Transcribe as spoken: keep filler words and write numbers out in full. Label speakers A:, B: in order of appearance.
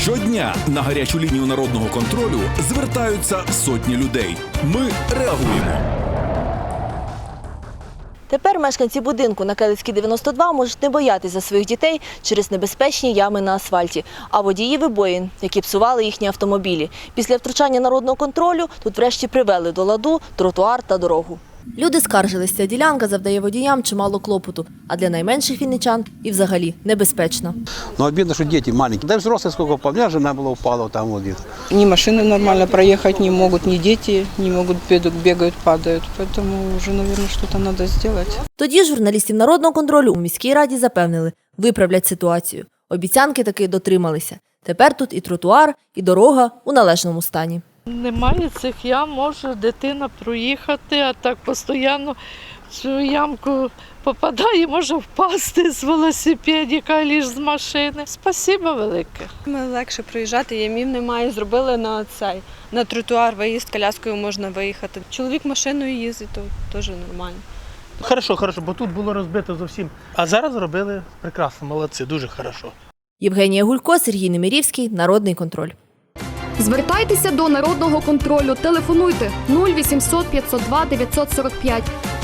A: Щодня на гарячу лінію народного контролю звертаються сотні людей. Ми реагуємо.
B: Тепер мешканці будинку на Келицькій дев'яносто два можуть не боятися за своїх дітей через небезпечні ями на асфальті, а водії вибоїн, які псували їхні автомобілі. Після втручання народного контролю тут врешті привели до ладу тротуар та дорогу. Люди скаржилися, ця ділянка завдає водіям чимало клопоту, а для найменших вінничан і взагалі небезпечна.
C: Ну, обидно, что дети маленькие. Да и взрослые сколько упало. У меня жена была упала там вот где-то.
D: Ни машины нормально проехать не могут, ни дети не могут, бегают, падают. Поэтому уже, наверное, что-то надо сделать.
B: Тоді журналістів народного контролю у міській раді запевнили, виправлять ситуацію. Обіцянки таки дотрималися. Тепер тут і тротуар, і дорога у належному стані.
E: Немає цих ям, може дитина проїхати, а так постійно в цю ямку попадає, може впасти з велосипедика, лиш з машини. Спасибо велике.
F: Ми легше проїжджати, ямів немає, зробили на цей, на тротуар виїзд, коляскою можна виїхати. Чоловік машиною їздить, то теж нормально.
G: Хорошо, хорошо, бо тут було розбито зовсім. А зараз зробили прекрасно, молодці, дуже хорошо.
B: Євгенія Гулько, Сергій Немирівський, Народний контроль.
H: Звертайтеся до Народного контролю. Телефонуйте нуль вісімсот п'ятсот два дев'ятсот сорок п'ять.